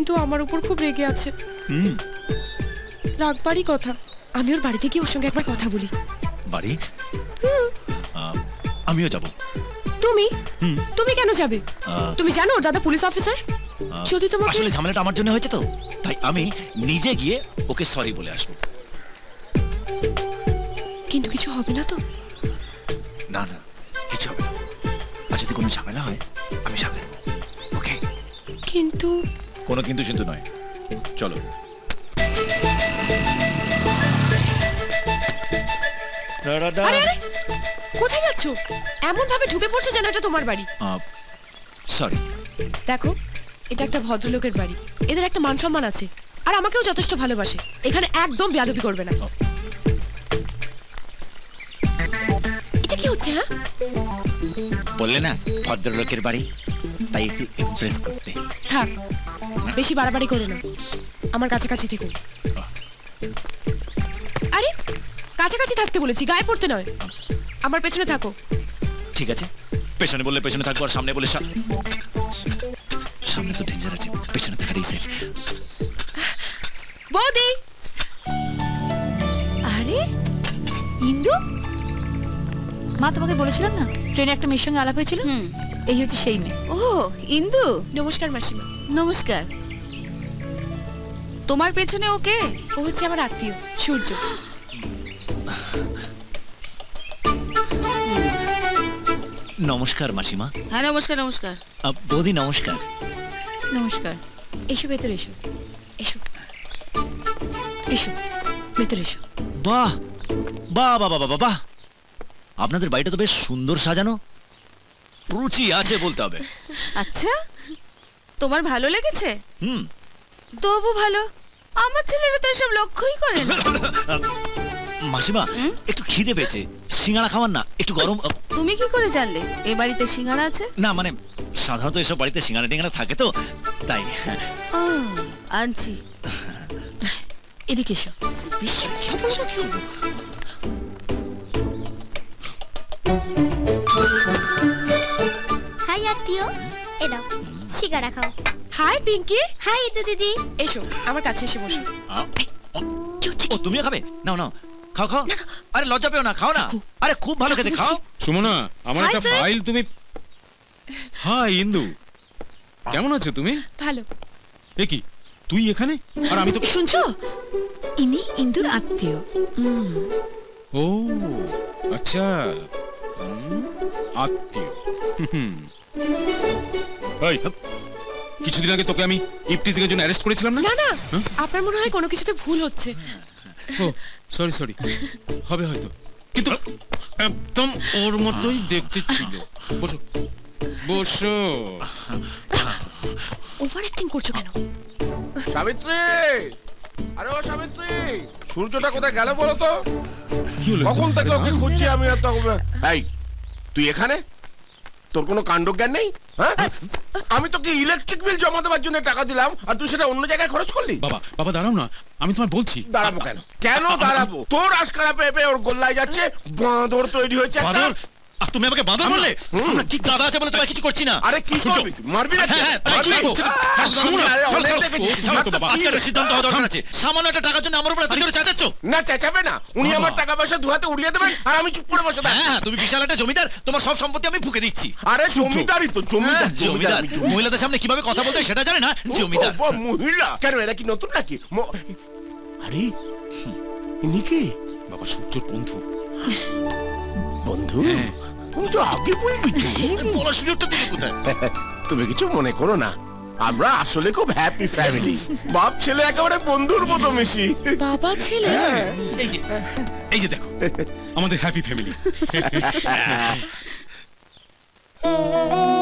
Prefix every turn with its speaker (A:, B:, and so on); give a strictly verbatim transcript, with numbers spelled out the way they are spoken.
A: কিন্তু আমার উপর খুব রেগে আছে।
B: হুম,
A: রাগবারই কথা। আমি ওর বাড়িতে গিয়ে ওর সঙ্গে একবার কথা বলি।
B: বাড়ি? আহ, আমিও যাব।
A: তুমি
B: হুম,
A: তুমি কেন যাবে?
B: আহ,
A: তুমি জানো ওর দাদা পুলিশ অফিসার।
B: আহ,
A: যদি তোমাকে
B: আসলে ঝামেলাটা আমার জন্য হয়েছে তো, তাই আমি নিজে গিয়ে ওকে সরি বলে আসবো।
A: কিন্তু কিছু হবে না তো?
B: না না, কিছু হবে না। আর যদি কোনো ঝামেলা হয় আমি সামলে নেবো। ওকে?
A: কিন্তু
B: কোনো কিন্তু কিন্তু নয়, চলো।
A: আরে আরে কোথায় যাচ্ছ? এমন ভাবে ঢুকে পড়ছো যেন এটা তোমার বাড়ি।
B: সরি।
A: দেখো, এটা একটা ভদ্রলোকের বাড়ি। এদের একটা মান সম্মান আছে, আর আমাকেও যথেষ্ট ভালোবাসে। এখানে একদম বেয়াদবি করবে না। এটা কি হচ্ছে? হ্যাঁ,
B: বললে না ভদ্রলোকের বাড়ি, তাই একটু ইমপ্রেস করতে।
A: থাক, বেশি বাড়াবাড়ি করো না। আমার কাছাকাছি থেকো। আরে কাছাকাছি থাকতে বলেছি, গায়ে পড়তে নয়। আমার পেছনে থাকো।
B: ঠিক আছে, পেছনে বললে পেছনে থাকবো, আর সামনে বলে সা- সামনে তো ডেঞ্জার আছে, পেছনে থাকারই সেফ।
A: বৌদি!
C: আরে ইন্দু, মা তোমাকে বলেছিলাম না ট্রেনে একটা মেয়ের সঙ্গে আলাপ হয়েছিল?
D: হুম।
C: এই হচ্ছে সেই মেয়ে।
D: ও ইন্দু,
A: নমস্কার মাসিমা।
D: নমস্কার। তোমার পেছনে ওকে?
A: ও হচ্ছে আমার আত্মীয় সূর্য।
B: নমস্কার মাসিমা।
D: হ্যাঁ নমস্কার নমস্কার।
B: আহ, বৌদি নমস্কার।
C: নমস্কার। এসো ভেতরে এসো।
A: এসো
C: এসো ভেতরে এসো।
B: বাহ বাহ বাহ বাহ বাহ বাহ, আপনাদের বাড়িটা তো বেশ সুন্দর সাজানো, রুচি আছে বলতে হবে।
D: আচ্ছা, তোমার ভালো লেগেছে?
B: হুম।
D: তবু ভালো, আমার ছেলেরা তো এসব লক্ষ্যই করে না।
B: মাসিমা,
D: হুম?
B: একটু খিদে পেয়েছে, সিঙ্গাড়া খাওয়ান না, একটু গরম। আহ,
D: তুমি কি করে জানলে এ বাড়িতে সিঙ্গারা আছে?
B: না মানে সাধারণত এসব বাড়িতে সিঙ্গাড়া টিঙ্গাড়া থাকে তো, তাই।
D: ও, আনছি।
C: এদিকে এসো।
E: হাই আত্মীয়, এ নাও সিঙ্গারা খাও।
A: হাই পিঙ্কি।
E: হাই ইন্দু দিদি।
A: এসো আমার কাছে এসে বসো।
B: আহ, ও তুমিও খাবে? নাও নাও, খাও খাও। আরে লজ্জা পেও না, খাও না। আরে খুব ভালো খেতে, খাও।
F: সুমনা, আমার
A: Hi,
F: একটা
A: sir.
F: ফাইল তুমি। হাই ইন্দু, কেমন আছো তুমি?
A: ভালো।
F: এ কি, তুই এখানে আর আমি তো।
C: শুনছো, ইনি ইন্দুর আত্মীয়। হুম,
F: ও আচ্ছা, হুম, আত্মীয়। হুম। এই, কিছুদিন আগে তোকে আমি ইফটিজিং এর জন্য অ্যারেস্ট করেছিলাম না?
A: না না,
F: হ্যাঁ?
A: আপনার মনে হয় কোনো কিছুতে ভুল হচ্ছে।
F: ও সরি সরি, হবে হয়তো, কিন্তু একদম ওর মতোই দেখতে ছিল। বসো বসো।
A: ওভার অ্যাক্টিং করছো কেন?
G: সাবিত্রী, আরে ও সাবিত্রী, সূর্যটা কোথায় গেল বলো তো?
F: কি হলো?
G: কখন থেকে ওকে খুঁজছি আমি। আর তখন এই তুই এখানে, তোর কোনো কাণ্ডজ্ঞান নেই? হ্যাঁ, আমি তোকে ইলেকট্রিক বিল জমা দেওয়ার জন্য টাকা দিলাম, আর তুই সেটা অন্য জায়গায় খরচ করলি।
F: বাবা বাবা দাঁড়াও না, আমি তোমায় বলছি।
G: দাঁড়াবো কেন? কেন দাঁড়াবো? তোর আশকারা পেয়ে পেয়ে ওর গোল্লায় যাচ্ছে, বাঁদর তৈরি হয়েছে একটা।
B: বাঁদর? আহ, তুমি আমাকে বাঁদর বললে?
G: হুম।
B: আমরা কি গাদা আছে বলে তোমায় কিছু করছি না।
G: আরে কি
B: সূর্য,
G: করবি? মারবি না?
B: হ্যাঁ, হ্যাঁ, তাই কি করবো? ছাড়ো, ছাড়ো, ছাড়ো,
G: থামুন, আরে
B: ছাড়ো,
G: অনেক
B: ছাড়ো,
G: দেখেছি।
B: ছাড়ো তো
G: ছাড় তো,
B: বাবা,
G: কি
B: আজকে একটা
G: রে?
B: সিদ্ধান্ত হওয়া দরকার আছে। সামান্য একটা টাকার জন্য আমার উপর এত জোরে চেঁচাচ্ছ?
G: না চেঁচাবে না, উনি আমার টাকা পয়সা দুহাতে উড়িয়ে দেবেন, আর আমি চুপ করে বসে থাকবো।
B: হ্যাঁ, তুমি বিশাল একটা জমিদার, তোমার সব সম্পত্তি আমি ফুঁকে দিচ্ছি।
G: আরে জমিদারই তো, জমিদার
B: হ্যাঁ, জমিদার
G: আমি জমিদার।
B: মহিলাদের সামনে কিভাবে কথা বলতে হয় সেটা জানে না, জমিদার।
G: ও, ও, মহিলা কেন? এরা কি নতুন নাকি? ম- আরে ইনি কে?
F: বাবা সূর্যর বন্ধু।
G: বন্ধু?
F: হ্যাঁ।
G: তুমি তো আগে বলবি তো।
B: বলার সুযোগটা দিলে কোথায়?
G: তুমি কিছু মনে করো না, আমরা আসলে খুব হ্যাপি ফ্যামিলি। বাপ ছেলে একেবারে বন্ধুর মতো মিশি।
A: বাবা ছেলে?
B: এই যে এই যে দেখো,
F: আমাদের হ্যাপি ফ্যামিলি।